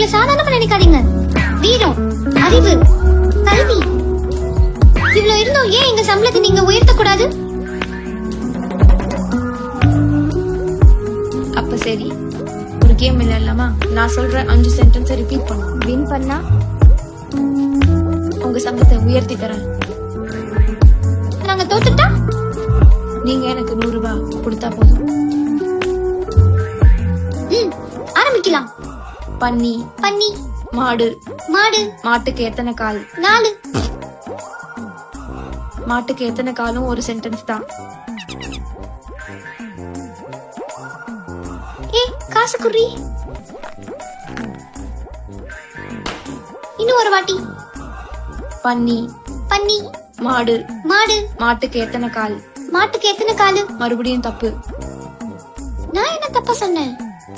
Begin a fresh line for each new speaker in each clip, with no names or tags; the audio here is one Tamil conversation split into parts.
இவ்வளவு சாதாரணமா நினைக்காதீங்க. வீரம், அறிவு, கல்வி இவ்வளவு இருந்தோம் ஏன் எங்க சம்பளத்தை நீங்க உயர்த்த கூடாது?
அப்ப சரி, ஒரு கேம் விளையாடலாமா? நான் சொல்ற 5 சென்டென்ஸ் ரிப்பீட் பண்ணும்.
வின் பண்ணா
உங்க சம்பளத்தை உயர்த்தி தரேன்.
நாங்க தோத்துட்டா
நீங்க எனக்கு 100 ரூபாய் கொடுத்தா போதும்.
ஆரம்பிக்கலாம்.
பன்னி,
பன்னி.
மாடு,
மாடு.
மாட்டுக்கு எத்தனை கால்?
4.
மாட்டுக்கு எத்தனை காலும் ஒரு சென்டென்ஸ் தான்.
காசு குறி. இன்னும் ஒரு வாட்டி.
பன்னி,
பன்னி.
மாடு,
மாடு.
மாட்டுக்கு எத்தனை கால்?
மாட்டுக்கு எத்தனை காலு?
மறுபடியும் தப்பு.
நான் என்ன தப்பா சொன்னேன்?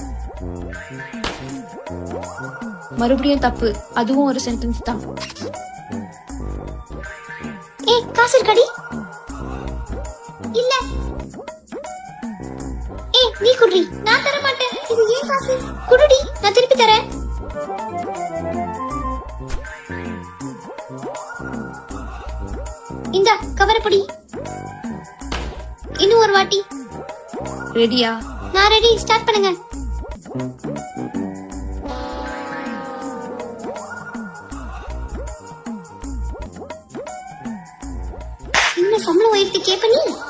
மறுபடியும் தப்பு. அதுவும் ஒரு சென்டென்ஸ் தான்.
காசு இருக்கடி? இல்ல. நீ குடுறி. நான் தர மாட்டேன். இது ஏன் காசு? குடுடி, நான் திருப்பி தரேன். இந்த கவரப்படி. இன்னும் ஒரு வாட்டி.
ரெடியா?
நான் ரெடி. ஸ்டார்ட் பண்ணுங்க. இன்னும் சம்பளம் உயர்த்தி கேப்ப நீ?